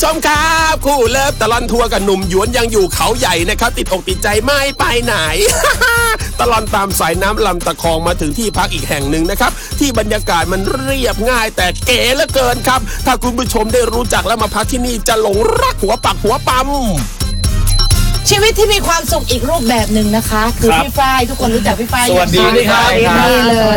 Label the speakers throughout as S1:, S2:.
S1: ชมครับคู่เลิฟตลอนทัวร์กับหนุ่มหยวนยังอยู่เขาใหญ่นะครับติดอกติดใจไม่ไปไหน ตลอนตามสายน้ำลำตะคองมาถึงที่พักอีกแห่งหนึ่งนะครับที่บรรยากาศมันเรียบง่ายแต่เก๋เหลือเกินครับถ้าคุณผู้ชมได้รู้จักแล้วมาพักที่นี่จะหลงรักหัวปักหัวปั๊ม
S2: ชีวิตที่มีความสุขอีกรูปแบบหนึ่งนะคะคือพี่ฝ้ายทุกคนรู้จักพี่ฝ้าย
S3: สวัสดีครับ
S2: นี่เลย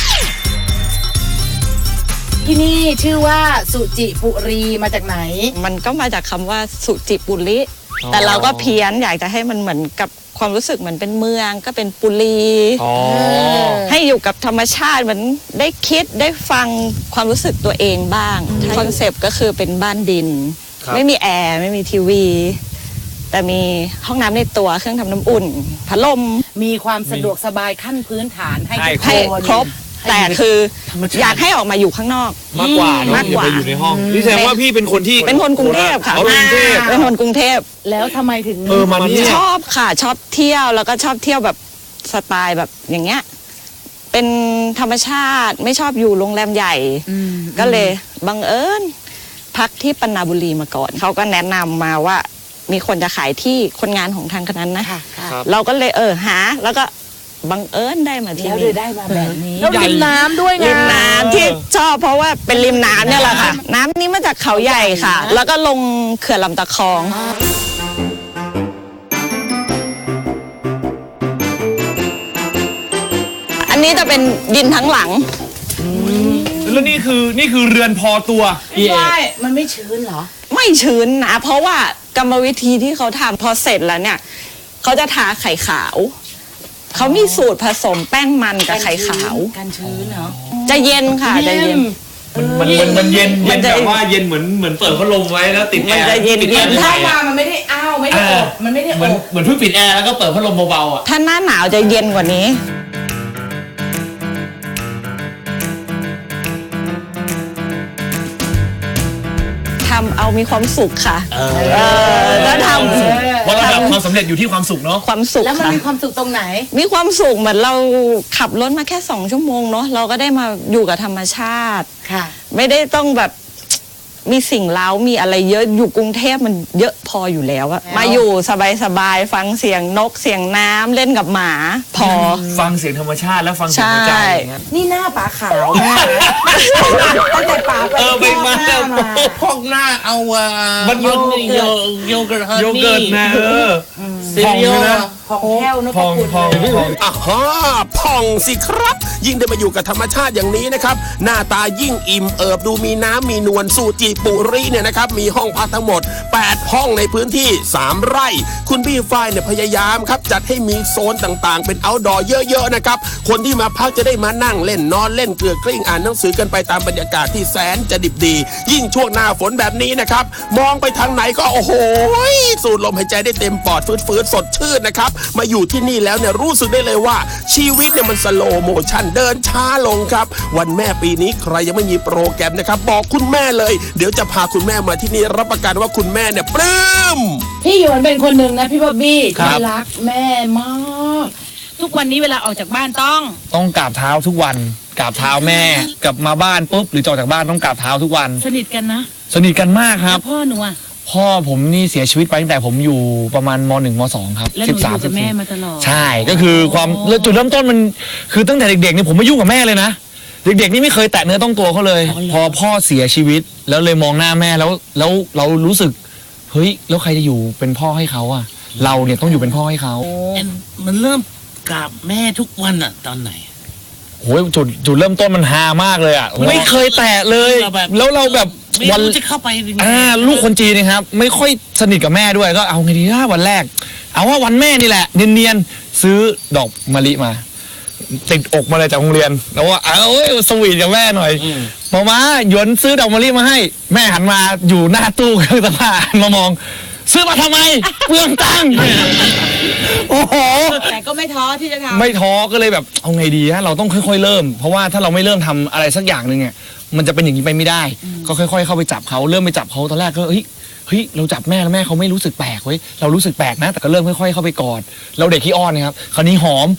S2: ที่นี่ชื่อว่าสุจิปุรีมาจากไหน
S4: มันก็มาจากคำว่าสุจิปุริแต่เราก็เพี้ยนอยากจะให้มันเหมือนกับความรู้สึกเหมือนเป็นเมืองก็เป็นปุรีให้อยู่กับธรรมชาติเหมือนได้คิดได้ฟังความรู้สึกตัวเองบ้างคอนเซปต์ก็คือเป็นบ้านดินไม่มีแอร์ไม่มีทีวีแต่มีห้องน้ำในตัวเครื่องทำน้ำอุ่นพัดลม
S2: มีความสะดวกสบายขั้นพื้นฐานให้
S4: ครบแต่คืออยากให้ออกมาอยู่ข้างนอก
S3: มากกว่าอย่าไปอยู่ในห้องนี่แสดงว่าพี่เป็นคนที่
S4: เป็นคนกรุงเทพค่ะเป็นคนกรุงเทพ
S2: แล้วทำไมถึง
S3: มัน
S4: ชอบค่ะชอบเที่ยวแล้วก็ชอบเที่ยวแบบสไตล์แบบอย่างเงี้ยเป็นธรรมชาติไม่ชอบอยู่โรงแรมใหญ่ก็เลยบังเอิญพักที่ปันนาบุรีมาก่อนเขาก็แนะนำมาว่ามีคนจะขายที่คนงานของทางคณะนะเราก็เลยหาแล้วก็บังเอิญได้มาที่
S2: นี่ได้มาแบบนี้แล้วริมน้ำด้วยไง
S4: ริมน้ำที่ชอบเพราะว่าเป็นริมน้ำเนี่ยแหละค่ะน้ำนี้มาจากเขาใหญ่ค่ะแล้วก็ลงเขื่อนลำตะคองอันนี้จะเป็นดินทั้งหลัง
S3: แล้วนี่คือเรือนพอตัว
S2: ใช่มันไม่ชื้นเหรอ
S4: ไม่ชื้นนะเพราะว่ากรรมวิธีที่เขาทำพอเสร็จแล้วเนี่ยเขาจะทาไข่ขาวเขามีสูตรผสมแป้งมันกับไข่ขาว
S2: กันชื้นเนาะ
S4: จะเย็นค่ะจะเย็น
S3: มันเย็นแบบว่าเย็นเหมือนเปิดพัดลมไว้แล้วติดแอร์
S4: มันจะเย็น
S2: ถ้ามามันไม่ได้อ้าวไม่ได้อบมันไม่ได้อบ
S3: เหมือนเพิ่งปิดแอร์แล้วก็เปิดพัดลมเบาๆอ่ะ
S4: ถ้าหน้าหนาวจะเย็นกว่านี้ทำเอามีความสุขค่ะแล้วทำ
S3: เพราะระดับความสำเร็จอยู่ที่ความสุขเนาะ
S4: ความสุข
S2: แล้วมันมีความสุขตรงไหน
S4: มีความสุขเหมือนเราขับรถมาแค่2 ชั่วโมงเนาะเราก็ได้มาอยู่กับธรรมชาติ
S2: ค่ะ
S4: ไม่ได้ต้องแบบมีสิ่งเล้ามีอะไรเยอะอยู่กรุงเทพมันเยอะพออยู่แล้วอะมาอยู่สบายๆฟังเสียงนกเสียงน้ำเล่นกับหมาพอ
S3: ฟังเสียงธรรมชาติแล้วฟังเสียงหัวใจ
S2: นี่หน้าป๋าขาวมากตั้งแต่ป๋าไป
S3: มา
S1: พอกหน้าเอา
S3: มัน
S1: โยเกิร์ต
S3: นะ
S1: พองนะ
S2: พองแก้วนพคุณ
S1: พองสิครับยิ่งได้มาอยู่กับธรรมชาติอย่างนี้นะครับหน้าตายิ่งอิ่มเอิบดูมีน้ำมีนวลสุจิปุรีเนี่ยนะครับมีห้องพักทั้งหมด8ห้องในพื้นที่3 ไร่คุณพี่ฝ้ายเนี่ยพยายามครับจัดให้มีโซนต่างๆเป็นเอาท์ดอร์เยอะๆนะครับคนที่มาพักจะได้มานั่งเล่นนอนเล่นเกลือกลิ้งอ่านหนังสือกันไปตามบรรยากาศที่แสนจะดิบดียิ่งช่วงหน้าฝนแบบนี้นะครับมองไปทางไหนก็โอ้โหสูดลมหายใจได้เต็มปอดฟื้นสดชื่นนะครับมาอยู่ที่นี่แล้วเนี่ยรู้สึกได้เลยว่าชีวิตเนี่ยมันสโลว์โมชั่นเดินช้าลงครับวันแม่ปีนี้ใครยังไม่มีโปรแกรมนะครับบอกคุณแม่เลยเดี๋ยวจะพาคุณแม่มาที่นี่รับประกันว่าคุณแม่เนี่ยปลื้ม
S2: พี่หยวนเป็นคนหนึ่งนะพี่บ๊อบบี้ที่รักแม่มากทุกวันนี้เวลาออกจากบ้านต้อง
S3: กราบเท้าทุกวันกราบเท้าแม่กลับมาบ้านปุ๊บหรือออกจากบ้านต้องกราบเท้าทุกวัน
S2: สนิทกันนะ
S3: สนิทกันมากครับ
S2: พ่อหนูอะ
S3: พ่อผมนี่เสียชีวิตไปตั้งแต่ผมอยู่ประมาณม.1 ม.2 ครับ
S2: แล้วหนูอยู่กับแม่มาตลอด
S3: ใช่ก็คือความจุดเริ่มต้นมันคือตั้งแต่เด็กๆเนี่ยผมไม่ยุ่งกับแม่เลยนะเด็กๆนี่ไม่เคยแตะเนื้อต้องตัวเขาเลยพอพ่อเสียชีวิตแล้วเลยมองหน้าแม่แล้วเรารู้สึกเฮ้ยแล้วใครจะอยู่เป็นพ่อให้เขาอะเราเนี่ยต้องอยู่เป็นพ่อให้เขา
S1: มันเริ่มกราบแม่ทุกวันอะตอนไหน
S3: โอ้ยจุดเริ่มต้นมันฮามากเลยอะไม่เคยแตะเลยแล้วเราแบบ
S1: วันจะเข้าไป
S3: ลูกคนจีนนะครับไม่ค่อยสนิทกับแม่ด้วยก็เอาไงดีนะวันแรกเอาว่าวันแม่นี่แหละเนียนๆซื้อดอกมะลิมาติดอกมาเลยจากโรงเรียนแล้วว่าสวีทกับแม่หน่อยพอมาหยวนซื้อดอกมะลิมาให้แม่หันมาอยู่หน้าตู้เครื่องซักผ้ามามองซื้อมาทำไมเปลืองตังค์โอ้โห
S2: แต่ก็ไม่ท้อที่จะท
S3: ำไม่ท้อก็เลยแบบเอาไงดีฮะเราต้องค่อยๆเริ่มเพราะว่าถ้าเราไม่เริ่มทำอะไรสักอย่างหนึ่งเนี่ยมันจะเป็นอย่างนี้ไปไม่ได้ก็ค่อยๆเข้าไปจับเขาเริ่มไปจับเขาตอนแรกก็เฮ้ยเราจับแม่แล้วแม่เขาไม่รู้สึกแปลกเว้ยเรารู้สึกแปลกนะแต่ก็เริ่มค่อยๆเข้าไปกอดเราเด็กขี้อ้อนนะครับคราวนี้หอม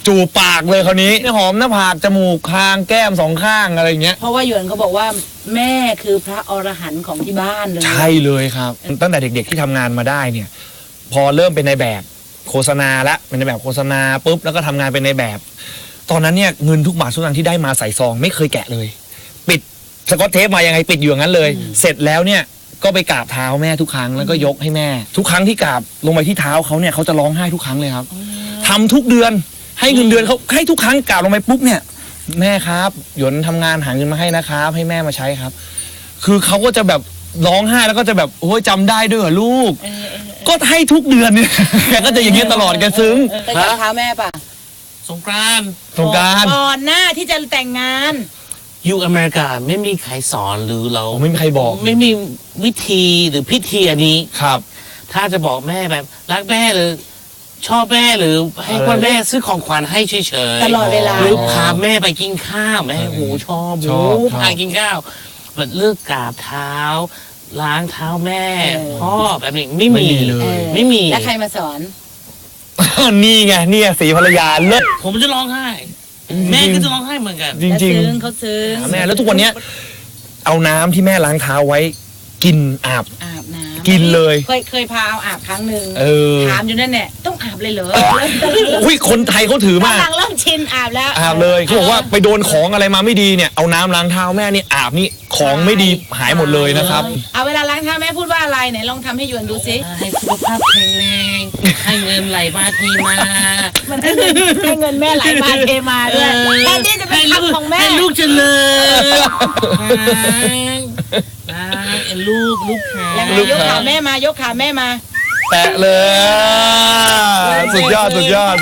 S3: จูบปากเลยคราวนี้หอมหน้าผากจมูกคางแก้มสองข้างอะไรเงี้ย
S2: เพราะว่าหยวนเขาบอกว่าแม่คือพระอรหันต์ของที่บ้านเลย
S3: ใช่เลยครับ ตั้งแต่เด็กๆที่ทำงานมาได้เนี่ย พอเริ่มเป็นในแบบโฆษณาละเป็นในแบบโฆษณาปุ๊บแล้วก็ทำงานเป็นในแบบ ตอนนั้นเนี่ยเงินทุกบาททุกสตางค์ที่ได้มาใส่ซองไม่เคยแกะเลย ปิดสกอตเทปมายังไงปิดอยู่อย่างนั้นเลย เสร็จแล้วเนี่ยก็ไปกราบเท้าแม่ทุกครั้งแล้วก็ยกให้แม่ ทุกครั้งที่กราบลงไปที่เท้าเขาเนี่ยเขาจะร้องไห้ทุกครั้งเลยครับทำทุกเดือนให้เงินเดือนเขาให้ทุกครั้งกราบลงไปปุ๊บเนี่ยแม่ครับหยวนทำงานหาเงินมาให้นะครับให้แม่มาใช้ครับ คือเขาก็จะแบบร้องไห้แล้วก็จะแบบโอ้ยจำได้ด้วยเหรอลูกก็ให้ทุกเดือนเนี่ยแกก็จะอย่างเงี้ยตลอดแกซึ้ง
S2: ไปกราบเท้าแม่ป่ะ
S5: สงกรานต์
S3: สงกรานต์
S2: ก่อนหน้าที่จะแต่งงาน
S5: อยู่อเมริกาไม่มีใครสอนหรือเรา
S3: ผมไม่มีใครบอก
S5: ไม่มีวิธีหรือพิธีอันนี้
S3: ครับ
S5: ถ้าจะบอกแม่แบบรักแม่หรือชอบแม่หรือให้พ่อแม่ซื้อของขวัญให้เฉยๆ
S2: ตลอดเวลา
S5: หรือพาแม่ไปกินข้าวแม่โอ้ชอบหมูพากินข้าวแบบเลือกกราบเท้า ล้างเท้าแม่พ่อแบบนี้ไม่มี
S3: เลย
S5: ไม่มี
S2: แล้วใครมาสอน
S3: นี่ไงเนี่ยสีภรรยาเลิศ
S5: ผมจะร้องไห้ แม่ก็จะร้องไห้เหมือนกัน
S3: จริง
S2: เขาซึ้ง
S3: ๆแม่แล้วทุกวันเนี้ยเอาน้ำที่แม่ล้างเท้าไว้กินอาบ
S2: อาบน้ำ
S3: กินเลย
S2: เคยพาเอาอาบครั้งหนึ่ง
S3: เออ
S2: ถามอยู่นั่นแหละต้องอาบเลยเหรอ
S3: อุ้ยคนไทยเขาถือมาก
S2: กำลังเริ่มชินอาบแล้ว
S3: อาบเลยเขาบอกว่าไปโดนของอะไรมาไม่ดีเนี่ยเอาน้ำล้างเท้าแม่นี่อาบนี่ของไม่ดีหายหมดเลยนะครับ
S2: เอาเวลาล้างเท้าแม่พูดว่าอะไรไหนลองทำให้หยวนดูสิ
S5: ให้สุขภาพแข็งแรงให้เงินไหลมาเทมา
S2: มันให้เงินแม่ไหลมาเทมาด้วยแทนที่จะเป็นคำของแม่
S5: ให้ลูกเจริญไอ้ลูกหา
S2: ยังไงยกขาแม่มายกขาแม่มา
S3: แตะเลยสุดยอด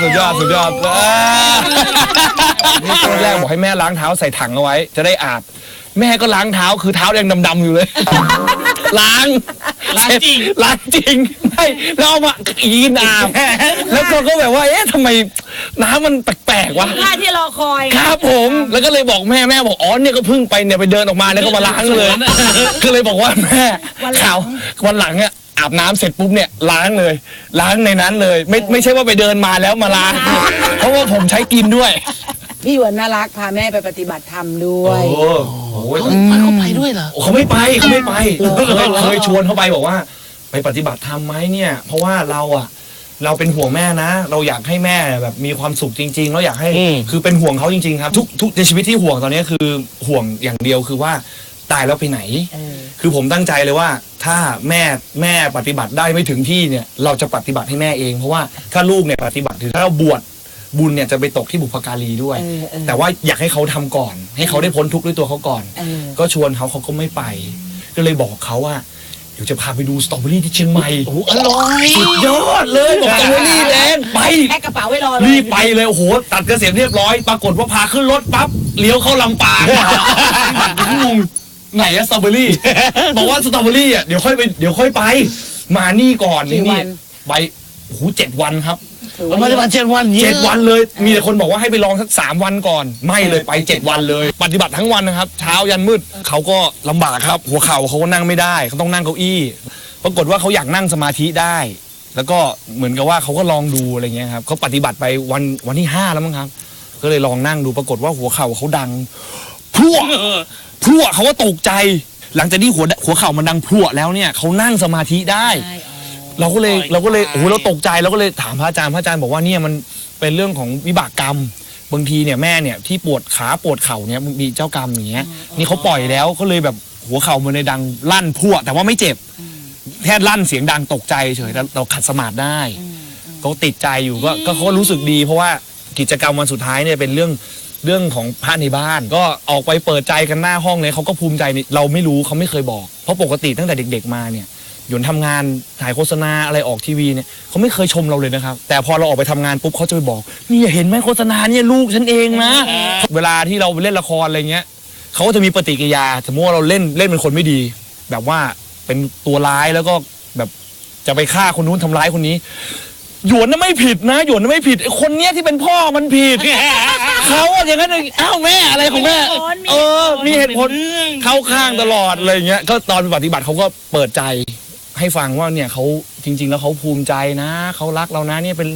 S3: ตอนแรกบอกให้แม่ล้างเท้าใส่ถังเอาไว้ จะได้อาบแม่ก็ล้างเท้าคือเท้ายังดำๆอยู่เลย ล้างจริงไม่แล้วเอามากินอาบแล้วก็แบบว่าเอ๊ะทำไมน้ำมันแปลกๆวะ
S2: ท่าที่รอคอย
S3: ครับผมแล้วก็เลยบอกแม่บอกอ๋อเนี่ยก็เพิ่งไปเนี่ยไปเดินออกมาเนี่ยก็มาล้างเลยก็เลยบอกว่าแม่ข่าววันหลังเนี่ยอาบน้ำเสร็จปุ๊บเนี่ยล้างเลย ล้างในนั้นเลย ไม่ใช่ว่าไปเดินมาแล้วมาล้างเพราะว่าผมใช้กินด้วย
S2: พี่หยวนน่ารักพาแม่ไปปฏิบัติธรรมด้วย
S5: เขาไปด้วยเหรอ
S3: เขาไม่ไปเคยชวนเขาไปบอกว่า ไปปฏิบัติธรรมไหมเนี่ย เพราะว่าเราเป็นห่วงแม่นะ เราอยากให้แม่แบบมีความสุขจริงๆเราอยากให้คือเป็นห่วงเขาจริงๆครับทุกในชีวิตที่ห่วงตอนนี้คือห่วงอย่างเดียวคือว่าตายแล้วไปไหน คือผมตั้งใจเลยว่าถ้าแม่ปฏิบัติได้ไม่ถึงที่เนี่ยเราจะปฏิบัติให้แม่เองเพราะว่าถ้าลูกเนี่ยปฏิบัติถือถ้าเราบวชบุญเนี่ยจะไปตกที่บุพการีด้วย แต่ว่าอยากให้เขาทำก่อน ให้เขาได้พ้นทุกข์ด้วยตัวเขาก่อน ก็ชวนเขาก็ไม่ไป ก็เลยบอกเขาว่าเดี๋ยวจะพาไปดูสตรอเบอรี่ที่เชียงใหม่โอ้อร่อยสุดยอดเลยบอกสตรอเบอรี่แดงไป
S2: แพ็คกระเป๋าไว้รอเลย
S3: รีบไปเลยโอ้โหตัดเกษียณเรียบร้อย ปรากฏว่าพาขึ้นรถปั๊บเลี้ยวเข้าลำปางงงไหนอะสตรอเบอรี่ บอกว่าสตรอเบอรี่อ่ะเดี๋ยวค่อยไป มานี่ก่อนนี่ไปโอ้โห7 วันครับ
S5: ประมาณ7 วัน
S3: 7 วันเลยมีแต่คนบอกว่าให้ไปลองสัก3 วันก่อนไม่เลยไป7 วันเลย ปฏิบัติทั้งวันนะครับเช้ายันมืดเขาก็ลำบากครับ หัวเข่าเขาก็นั่งไม่ได้เขาต้องนั่งเก้าอี้ปรากฏว่าเขาอยากนั่งสมาธิได้ แล้วก็เหมือนกับว่าเขาก็ลองดูอะไรเงี้ยครับเขาปฏิบัติไปวันที่5แล้วมั้งครับ ก็เลยลองนั่งดูปรากฏว่าหัวเข่าเขาดังพรวดเขาก็ตกใจ หลังจากที่หัวเข่ามันดังพรวดแล้วเนี่ยเขานั่งสมาธิได้ เราก็เลยโอ้โหเราตกใจเราก็เลยถามพระอาจารย์บอกว่าเนี่ยมันเป็นเรื่องของวิบากกรรมบางทีเนี่ยแม่เนี่ยที่ปวดขาปวดเข่าเนี่ยมีเจ้ากรรมอย่างเงี้ยนี่เขาปล่อยแล้วก็เลยแบบหัวเข่ามันเลยดังลั่นพั่วแต่ว่าไม่เจ็บแค่ลั่นเสียงดังตกใจเฉยแต่เราขัดสมาธิได้เขาติดใจอยู่ก็เขารู้สึกดีเพราะว่ากิจกรรมวันสุดท้ายเนี่ยเป็นเรื่องของพระในบ้านก็ออกไปเปิดใจกันหน้าห้องเลยเขาก็ภูมิใจเราไม่รู้เขาไม่เคยบอกเพราะปกติตั้งแต่เด็กๆมาเนี่ยหยวนทำงานถ่ายโฆษณาอะไรออกทีวีเนี่ยเขาไม่เคยชมเราเลยนะครับแต่พอเราออกไปทำงานปุ๊บเขาจะไปบอกนี่เห็นไหมโฆษณาเนี่ยลูกฉันเองนะเวลาที่เราไปเล่นละครอะไรเงี้ยเขาก็จะมีปฏิกิริยาสมมติว่าเราเล่นเป็นคนไม่ดี แบบว่าเป็นตัวร้ายแล้วก็แบบจะไปฆ่าคนนู้นทำร้ายคนนี้หยวนน่ะไม่ผิดนะหยวนน่ะไม่ผิดไอ้คนเนี้ยที่เป็นพ่อมันผิด เขาอะอย่างนั้นอ้าวแม่อะไรของแม่มีเหตุผลเข้าข้างตลอดอะไรเงี้ยก็ตอนปฏิบัติเขาก็เปิดใจให้ฟังว่าเนี่ยเขาจริงๆแล้วเขาภูมิใจนะเขารักเรานะเนี่ยเป็น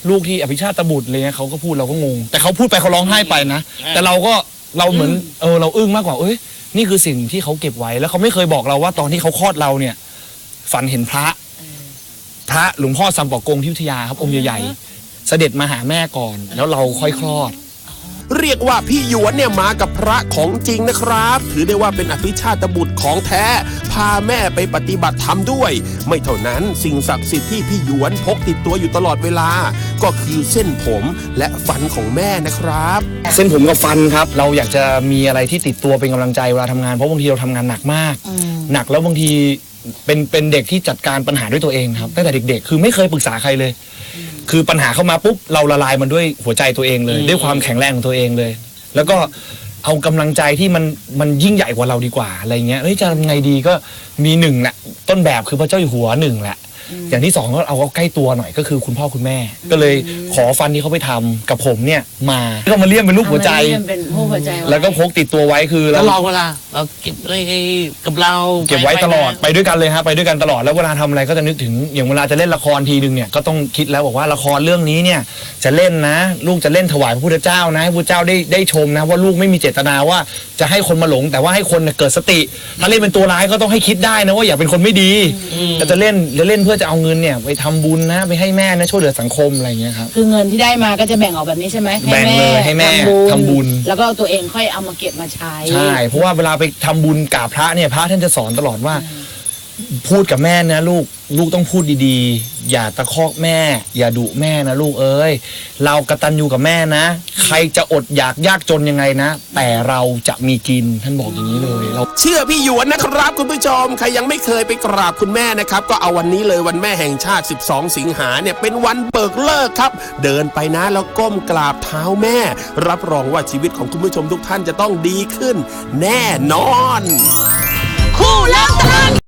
S3: ลูกที่อภิชาติบุตรอะไรเงี้ยเขาก็พูดเราก็งง แต่เขาพูดไปเขาร้องไห้ไปนะแต่เราเหมือนเราอึ้งมากกว่านี่คือสิ่งที่เขาเก็บไว้แล้วเขาไม่เคยบอกเราว่าตอนที่เขาคลอดเราเนี่ยฝันเห็นพระหลวงพ่อซัมปอกงที่อยุธยาครับองค์ใหญ่ๆเสด็จมาหาแม่ก่อนแล้วเราค่อยคลอด
S1: เรียกว่าพี่หยวนเนี่ยมากับพระของจริงนะครับ ถือได้ว่าเป็นอภิชาตบุตรของแท้พาแม่ไปปฏิบัติธรรมด้วย ไม่เท่านั้นสิ่งศักดิ์สิทธิ์ที่พี่หยวนพกติดตัวอยู่ตลอดเวลา ก็คือเส้นผมและฟันของแม่นะครับ
S3: เส้นผมกับฟันครับเราอยากจะมีอะไรที่ติดตัวเป็นกำลังใจเวลาทำงานเพราะบางทีเราทำงานหนักมากหนักแล้วบางทีเป็นเด็กที่จัดการปัญหาด้วยตัวเองครับตั้งแต่เด็กๆคือไม่เคยปรึกษาใครเลยคือปัญหาเข้ามาปุ๊บเราละลายมันด้วยหัวใจตัวเองเลยด้วยความแข็งแรงของตัวเองเลย แล้วก็เอากำลังใจที่มันยิ่งใหญ่กว่าเราดีกว่าอะไรเงี้ยจะทำไงดีก็มีหนึ่งแหละต้นแบบคือพระเจ้าอยู่หัวหนึ่งแหละอย่างที่สองก็เอาใกล้ตัวหน่อยก็คือคุณพ่อคุณแม่ก็เลยขอฟันที่เขาไปทำกับผมเนี่ยมาก็มาเลี่ยมเป็นรูปหัวใจแล้วก็พกติดตัวไว้คือ
S5: แล้วรอเวลาเราเก็บไว้กับเรา
S3: เก็บไว้ตลอดไปด้วยกันเลยฮะไปด้วยกันตลอดแล้วเวลาทำอะไรก็จะนึกถึงอย่างเวลาจะเล่นละครทีนึงเนี่ยก็ต้องคิดแล้วบอกว่าละครเรื่องนี้เนี่ยจะเล่นนะลูกจะเล่นถวายพระพุทธเจ้านะให้พระพุทธเจ้าได้ชมนะว่าลูกไม่มีเจตนาว่าจะให้คนมาหลงแต่ว่าให้คนเกิดสติถ้าเล่นเป็นตัวร้ายก็ต้องให้คิดได้นะว่าอย่าเป็นคนไม่ดีจะเล่นเพื่อจะเอาเงินเนี่ยไปทำบุญนะไปให้แม่นะช่วยเหลือสังคมอะไรอย่างเงี้ยครับ
S2: คือเงินที่ได้มาก็จะแบ่งออกแบบนี้ใช่ไหม
S3: แบ่งเลยให้แม่ทำบุญ
S2: แล้วก็ตัวเองค่อยเอามาเก็บมาใช้
S3: ใช่เพราะว่าเวลาไปทำบุญกราบพระเนี่ยพระท่านจะสอนตลอดว่าพูดกับแม่นะลูกต้องพูดดีๆอย่าตะคอกแม่อย่าดุแม่นะลูกเอ้ยเรากตัญญูกับแม่นะใครจะอดอยากยากจนยังไงนะแต่เราจะมีกินท่านบอกอย่างนี้เลยเรา
S1: เชื่อพี่หยวนนะครับคุณผู้ชมใครยังไม่เคยไปกราบคุณแม่นะครับก็เอาวันนี้เลยวันแม่แห่งชาติ12สิงหาเนี่ยเป็นวันเบิกเลิกครับเดินไปนะแล้วก้มกราบเท้าแม่รับรองว่าชีวิตของคุณผู้ชมทุกท่านจะต้องดีขึ้นแน่นอน
S2: คู่เลิกตลอด